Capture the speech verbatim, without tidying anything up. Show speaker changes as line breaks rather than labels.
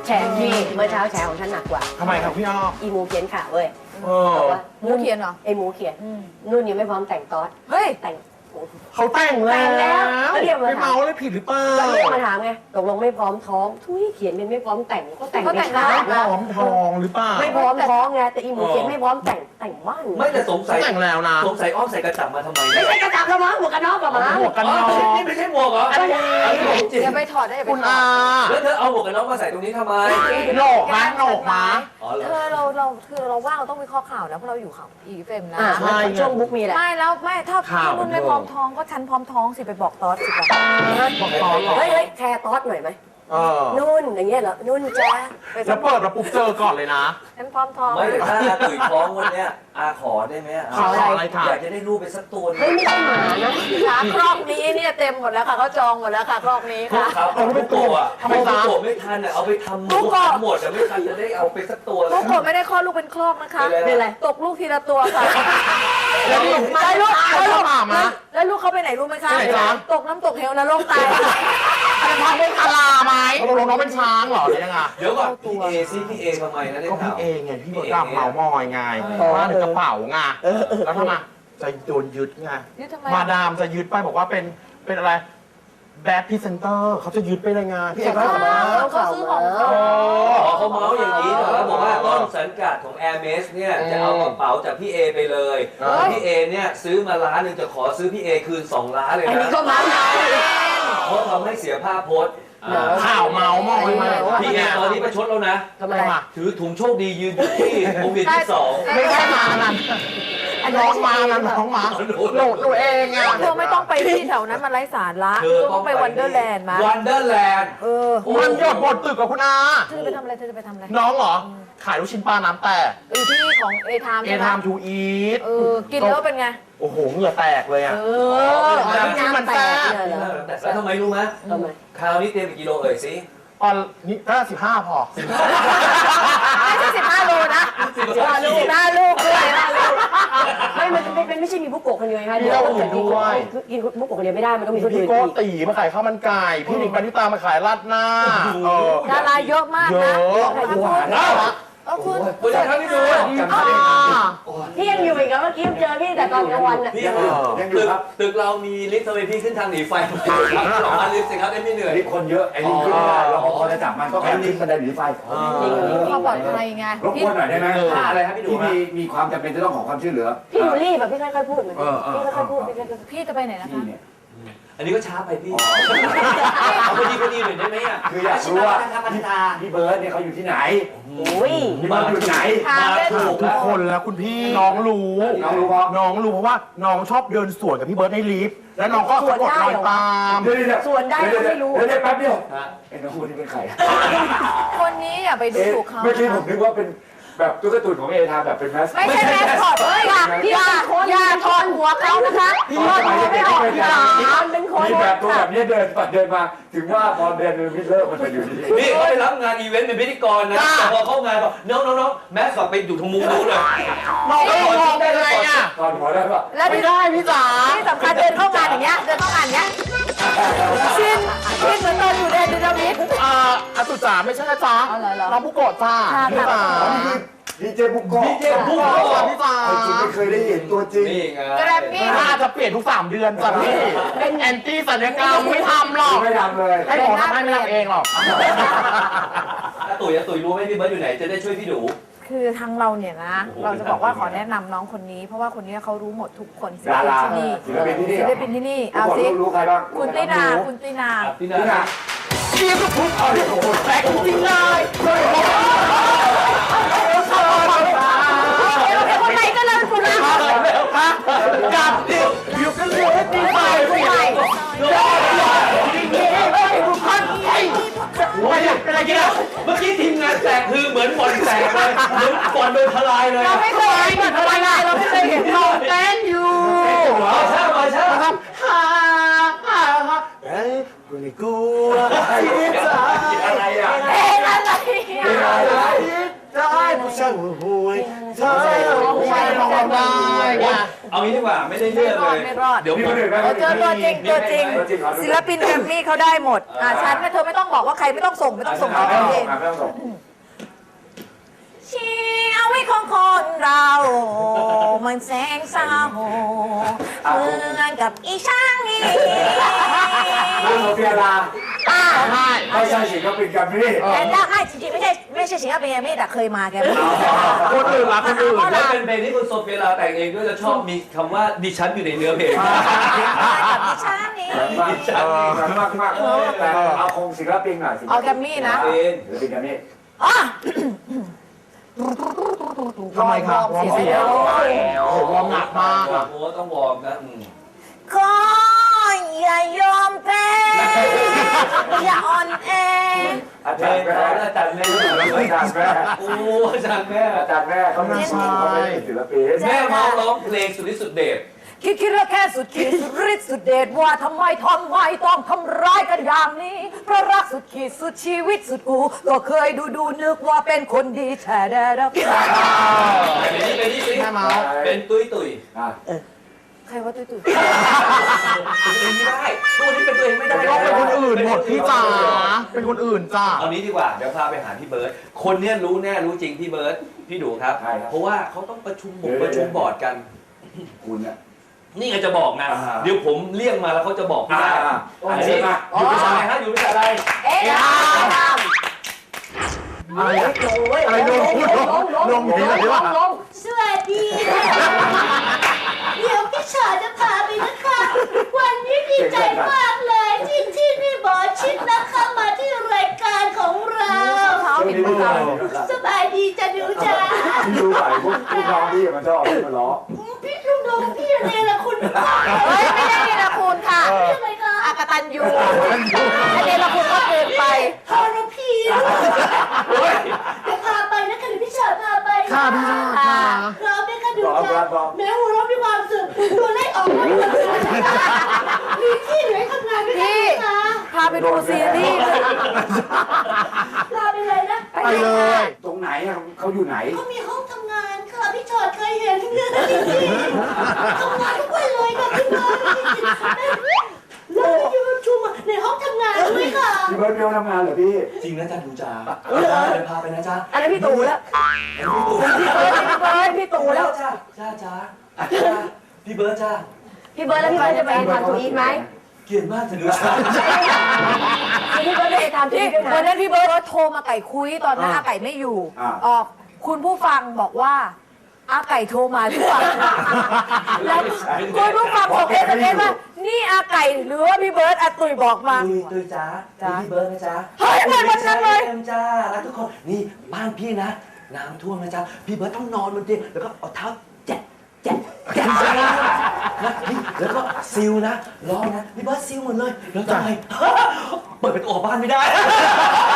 แฉพี่เมื่อเช้าแฉของฉันหนักกว่า
ทำไมครับพี่อ้อ
อีมูเขียนข่าวเว้ย
เออ
บอกว่า
หมูเขียนเหรอ
ไอหมูเขียนนุ่นยังไม่พร้อมแต่งตอส
เฮ้ย
แต่ง
เขาแต่งแล้ว
แต่งแล้วเรียกมา
ไม่เมาเลยผิดหรือเปล่า
ก็เรียกมาถามไงตกลงไม่พร้อมท้องทุยเขียนเป็นไม่พร้อมแต่งก็แต่ง
เขาแต่ง
ช้า
ไม่พร้อมทองหรือเปล่า
ไม่พร้อมท้องไงแต่อีหมูเขียนไม่พร้อมแต่งแต่งบ้าน
ไม่แต่สงสั
เขา
ย
แต่งแล้วนะ
สงสัยอ้อมใส่กระจับมาทำไม
ไม่ใช่กระจับแล้วมั้งหมวกกันน็อกกับมั้ง
หมวกกัน
อ๋อ
น็อก
นี่ไม่ใช่หมวกเหรอ
อะไร
อันนี้ของจริง
อย่าไปถอดได้อย่าไป
คุณ
ถอ
อา
ด
แล้วเธอเอาหมวกกันน็อกมาใส่ตรงนี้ทำไม
โหนกมาโหนกมา
อ๋อเหรอ
เธอเราเราคือเราว่างเราต้องวิเคราะห์ข่าวนะเพราะเราอยู่ข่าวอีเฟมนะ
อ่า
ใช่
ช่วงบุ๊กมีแหละ
ไม่แล้วไม่ถ้า
ข่าว
ถ้านุ่นไม่พร้อมท้องก็ฉันพร้อมท้องสิไปบอกตอสสิไป
บอกตอนหรอ
เฮ้ยเฮ้ยแชร์ตอสหน่อยไหม
เออ
นุ่นอย่างเงี้ยเหรอนุ่นจ้าไป
แล้วเปิดมาปุ๊บเจอก่อนเลยนะ
ฉันพร้อมท้อง
ไม่แต่ถ้าอาตุ๋ยท้องวันเนี้ยอาขอได้ไหม
ขออะไรคะ
อยากจะได้รูปไปสักตัวหนึ
เฮ้ย
ง
ไม่ใช่หมานะ
ขาครอกนี้เนี่ยเต็มหมดแล้วค่ะเขาจองหมดแล้วค่ะครอกนี้ค่ะ
ครับเอาไปตัวอ่ะ
ทำไม
เอาไป
จ๊ะ
ตัวไม่ทันอ่ะเอาไปทำหมู
ลูกก็
หมดแต่ไม่ทันจะได้เอาไปสักตัวเล
ลู
ย
กผมไม่ได้คลอดลูกเป็นครอกนะคะ
เป็นไร
ตกลูกทีละตัวค่ะ
แล้วนี่
ได้ลูก
เอา
ได้ลูก
เข้ามามา
แล้วลูกเขาไปไหนรู้ไหมคะ
ไปไหนจ๊ะ
ตกน้ำตกเหวนะโลกตาย
จะทำเป็นคาราไหมตกลงน้องเป็นช้างเหรอหรือยังไง
เดี๋ยวก่อนพี่เอซิพี่เอทำไมนะได้
ก็
ข่า
พี่
ว
เองไงพี่มดดำเมามอยไงว่าในกระเป๋าไงแล้วทำไมจะโดนยึดไง
นี่ทำไม
มาดามจะยึดไปบอกว่าเป็นเป็นอะไรแบดพรีเซนเตอร์เขาจะยึดไปเลยไงพี่เอกก็บอกว่า
เขาซื้อของ
โอ้
อ๋อเขาเมาส์อย่างนี้เหรอบอกว่าต้นสังกัดของ Hermes เนี่ยจะเอากระเป๋าจากพี่เอไปเลยแล้วพี่เอเนี่ยซื้อมาล้านหนึ่งจะขอซื้อพี่เอคืนสองล้านเลย
อันนี้
นะ
ก็มานะ
เพราะทำให้เสียภาพโพสต์
ข่าวเมามอยมา
พี่เอตอนนี้ประชดแล้วนะ
ทำไม
มา
ถือถุงโชคดียืนอยู่ที่วงเวียนที่สอง
ไม่ใช่มานั่นน้องมานั่นน้องมาโหลดตัวเองอ่ะ
เธอไม่ต้องไปที่แถวนั้นมันไร้สาระเธอต้องไปวันเดอร์แลนด์มา
วันเดอร์แลนด์
เออ
มันหยดบนตึกกับคุณอา
เธอจะไปทำอะไรเธอจะไปทำอะไร
น้องเหรอ ขายลูกชิ้นปลาน้ำแตก
อยู่ที่ของเอทาม
เอ
ใช่ไหม
ทามทูอีท
เออกินแล้วเป็นไง
โอ้โหเหงื่อแตกเลยอ่ะ
เออ
น้ำจิ้มมันแซ่บ
เนี่ยเหรอ
แล้วทำไมรู้ไหม
ทำไม
คราวนี้เตรียมกี่กิโลเอ่ยสิ
ตอนนี้ก็สิบห้าพอ
ไม่ใช่สิบห้าโลนะ
สิบห้าลูก
สิบห้าลูกด้วยนะ
ไม่มันไม่ไม่ไม่ใช่มีบุกโกะคนเดียวนะคะ
มีเราอื่นด้วย
คือกินบุกโกะคนเดียวไม่ได้มันต้องมีคนอื่
พี่
น
โก้
อีก
ตีมาขายข้าวมันไก่พี่หนิงปณิตามาขายราดหน้าเออ
ดาราเยอะมาก
เย
นะ
อะ
ขอบคุณ
น่ารัก
เออคุณ
คุณจะทำให้ดู
อ่า
พี่ยังอยู่อีกเหรอเมื่อกี้เจอพี่แต่ตอนกลางวันน่ะ
พี่ยังอยู่ตึกตึกเรามีลิฟต์ทำไมพี่ขึ้นทางหนีไฟสองพันลิฟต์สิครับได้ไม่เหนื่อย
ลิฟต์คนเยอะไอ้ลิฟต์ขึ้นไม่ได้รปภจะจับมันก็แค่ลิฟต์บันไดหนีไฟ
ความปลอดภัยไง
รบกวนหน่อยได้ไหม
ค่าอะไรครับพี่ดู
ที่
ฮะ
มีมีความจำเป็นจะต้องขอความช่วยเหลือ
พี่อยู่รีบแบบพี่ค่อยๆพูดเหมือน
เออเออ
พี่ค่อยๆพูดพี่ค่อยๆพูด
พี่จะไปไหนนะคะ
ที่เนี่ย
อันนี้ก็ช้าไปพี่เอาพอดีพอดีหน่อยได้ไหมอ่ะ
คืออยากรู้ว่าพี่เบิร์ดเนี่ยเขาอยู่ที่ไหน
โอ้ย
พี่เบิร์ดอยู่ไหน
ทางเล่น
ถูก
ทุกคนแล้วคุณพี่น้องรู้
น้องรู้เพราะ
น้องรู้เพราะว่าน้องชอบเดินสวนกับพี่เบิร์ดในลิฟต์แล้วน้องก็สะกดรอยตาม
เดี๋ยวเดี๋ยว
ส่วนได้ก็ไม่รู้
เดี๋ยวเดี๋ยวแป๊บเดียว
ฮะ
ไอ้น้องคนนี้เป็นใคร
คนนี้อย่าไปดู
เอ๊ะ
ถูกเขา
เมื่อกี้ผมนึกว่าเป็นแบบตุ๊กตาตุ่นของเอทามแบบเป็นแมส
ไม่ใช่แมสคอตเฮ้ยอย่าอย่าอย่าทอนหัวเขานะคะ
พี่ว่าไม่ได้ออก
หลานเป็นคน
มีแบบตัวแบบนี้เดินปัดเดินมา ถึงว่าพอเดินเดินมิเลิกมันจะอยู่ที่
นี่เขาไปรับงานอีเวนต์เป็นพิธีกรนะแต่พอเข้างานบอกน้องน้องน้องแมสกอตไปอยู่ตรงมุมนู้นเลย
น้องก็มองได้ไงอ่ะ
ตอนหัวได้ปะ
แล้ว
ไม่
ที่
ได้พี่จ๋า
ที่สำคัญเดินเข้างานอย่างเงี้ยเดินเข้างานอย่างเงี้ยชินชินเหมือนตอนอยู่ในดินามิด
อ่าอาตุจ๋าไม่ใช่นะจ๊ะ
อ๋อเหรอเหรอ
น้องบุโกะจ้า
ค่ะ
พี่จ๋า
นี่คือดีเจบุกโกะ
ดีเจบุ
บุ
ก
โกะ
โกะ
พี่จ๋า
จริงไม่เคยได้เห็นตัวจริง
นี่ไง
แกรมมี่
ถ้าจะเปลี่ยนทุกสามเดือนจ้ะพี่เป็นแอนตี้สัญญกรรมไม่ทำหรอก
ไม่ทำเลย
ให้หมอทำให้ไม่ทำเองหรอก
อาตุ๋ยอาตุ๋ยรู้ไหมพี่เบิร์ดอยู่ไหนจะได้ช่วยพี่ดู
คือทางเราเนี่ยนะ เราจะบอกว่าขอแนะนำน้องคนนี้ เพราะว่าคนนี้เขารู้หมดทุกคนศิล
ดา
ปิน
รา
ที่นี่
ศิลปินที่นี่
ศิลปินที่นี่เอา
ทุกคน
สิ
รู้ใครบ้าง
คุณตินาคุณตินา
พี่
นี่
นา
นะ
เรียกทุกคนโอ้โหแปลกจริงๆเลยเฮ้ย
คนไหนก็เลยคุณนะ
แล้วค่ะกับเดียวอยู่กันเดียวให้ตีไปเสียงเฮ้ยทุกคนไอ้ไม่ใช่เป็นอะไรกันอ่ะ
เมื่อกี้ทีมงานแตกคือเหมือนบอลแตกเลยเหมือนบอลโดนทลายเลย
เราไม่เคยเห็นอะไรเลยเราไม่เคยเห็น
เราเต้นอยู่
มาใช่มาใช่
นะครับฮ่าฮ่าฮ่าเฮ้ยคุณไม่กลัวที่จะ
อะไรอ่ะ
เอ๊ะอะไร
เป็นอะไร
ได้ผู้ชายห่วยเธอผู้ชายร้องได้ไง
เอางี้ดีกว่าไม่ได้เรื่องเลย
ไม่รอด
เดี๋ยว
มี
ผ
ค
ม
นอื่นไหม
เออเจอตัวจริงตัวจริง
ตัวจริงเหรอ
ศิลปินแกรมมี่เขาได้หมด อ่าฉันนะเธอไม่ต้องบอกว่าใครไม่ต้องส่งไม่ต้องส่ง
ไม่
เขา
ต้อง
เอ
ส่ง
ง
ไม่ต้องส่ง
ชีวิตของคนเรามันแสงเศร้าเหมือนกับอีช่างนี่
เรื่องโซเฟียลา
อ่า
ไม่ใช่ศิลปินแกรมมี่
แต่ได้ให้จริงๆไม่ใช่ไม่ใช่ศิลปินแกรมมี่แต่เคยมาแกรมมี่
คนอื่นละคนอื่น
แล้วเป็นเพลงที่คุณโซเฟียลาแต่งเองด้วยจะชอบมีคำว่าดิฉันอยู่ในเนื้อเพลง
กับอีช่างนี่
มากมากมากแต่เอาคงศิลปินหน่อย
เอาแกรมมี่นะ
เป็น
ศิลปินแกรมมี่
อ๋อ
ทำไมครับ
วอร์มเสียง
โอ้โหวอร์มหนักมาก
โอ้ต้องวอร์มนะอืม
ขออย่ายอมแพ้อย่าอ่อนแอ
อา
เพล
จารง ย์แม่
ของอาจารย์แม่
อาจารย์แม่
โอ้อาจารย์แม่
อาจารย์แม่เขาเป็นเขาเป็นศิลปิน
แม่มาร้องเพลงสุดฤทธิ์สุดเดช
คิดคิดแล้วแค่สุดขีดสุดฤทธิ์สุดเดชว่าทำไมทำไมต้องทำร้ายกันอย่างนี้เพราะรักสุดขีดสุดชีวิตสุดกูก็เคยดูดูนึกว่าเป็นคนดีแท้แด้รับ
เป็นนี่เป็นนี่เป็น
แม่เมา
เป็นตุ้ยตุ้ย
อ่ะ
ใครว่าตุ้ยตุ้ย
เป็นตัวเองไม่ได้ตัวนี้เป็นตัวเองไม่ได้
ก็เป็นคนอื่นหมดพี่จ๋าเป็นคนอื่นจ้า
เอานี้ดีกว่าเดี๋ยวพาไปหาพี่เบิร์ตคนเนี้ยรู้แน่รู้จริงพี่เบิร์ตพี่ดูครับ เพราะว่าเขาต้องประชุมบกประชุมบอร์ดกัน
คุณเนี่ย
นี่ไงจะบอกนะ
อ่า
เดี๋ยวผมเลี่ยงมาแล้วเขาจะบอกไม่ได้
อ่า
อันนี้อยู่บริษัทอะไรฮะอยู่บริษัทอะไร
เอ๊ะ
อะไรอะอะไรลงพูดลงลงอย่างนี้เลยว่า
สวัสดีค่ะเดี๋ยวพี่ชอจะพาไปนะคะ วันนี้ดีใจมากเลยที่ที่นี่บอชิดนะคะมาที่รายการของเรา
เท้า
ช่วง
ผิด
นี้
มื
พี่
อ
ดู
สบายดีจะดูจ้า
พี่ดูใส่พวกพี่น้องพี่มันชอบพี่มันล้อ
พี่ลุงดงพี่เนรคุณพ่อ
เฮ้ยไม่ได้นี่ละคุณค่ะ
พี่อะไรคะ
อากตันยูอันนี้ละคุณก็เกินไป
ทรพีเดี๋ยวพาไปนะคะเดี๋ยวพี่ชอพาไป
ค่ะพี่ชอค่ะ
พร้อมไหมคะดูจ้าแม้หัวเราะมีความสุขตัวเลขออกมาหมดเลยมีที่เหลือทำงานด้วย
พี่
คะ
พาไปดูซีรีส์
ลาไปเลยนะ
ไปเลย
ตรงไหนอะเขาอยู่ไหน
เขามีห้องทำงานค่ะพี่ชอดเคยเห็นเรื่องจริงๆทำงานทุกวันเลยค่ะพี่เบิร์ดแล้วมีประชุมในห้องทำงานด้วยค่ะ
พี่เบิร์ดเบลทำงานเหรอพี่
จริงนะจ๊ะดูจ้าเดี๋ยวพาไปนะจ๊ะ
อันนั้นพี่ตู่แล้วพี่เบิร์ดพี่เบิร์ดพี่ตู่แล้ว
จ้าจ้าจ้าจ้าพี่เบิร์ตจ้า
พี่เบิร์ดแล้วพี่เบิร์ดจะไปทำทูอีทไหม
เกลียดมากเธอดูจ้า
พี่เบิร์ดจะไปทำทู
ที่
อีทด้วย
วัน
นะ
นั้นพี่เบิร์ดโทรมาไก่คุยตอนนั้นอาไก่ไม่อยู่
อ่า
ออกคุณผู้ฟังบอกว่าอาไก่โทรมาหรือเปล่าแล้วคุณผู้ฟังส่งเอสเอ็มเอสว่านี่อาไก่หรือว่าพี่เบิร์ดอาตุยบอกมา
ตุยตุยจ้า
จ้า
พี่เบิร์ตนะจ๊ะ
เฮ้ยเหมือนวันนั้นเลย
อ็มจ้ารักทุกคนนี่บ้านพี่นะน้ำท่วมนะจ๊ะพี่เบิร์ตต้องนอนบนเตียงแล้วก็เอาเท้าแจ๊ะแจ๊ะแจ๊ะนะนี่แล้วก็ซิลนะร้องนะพี่เบิร์ตซิลหมดเลยแล้วทำไมเปิดประตูออกบ้านไม่ได้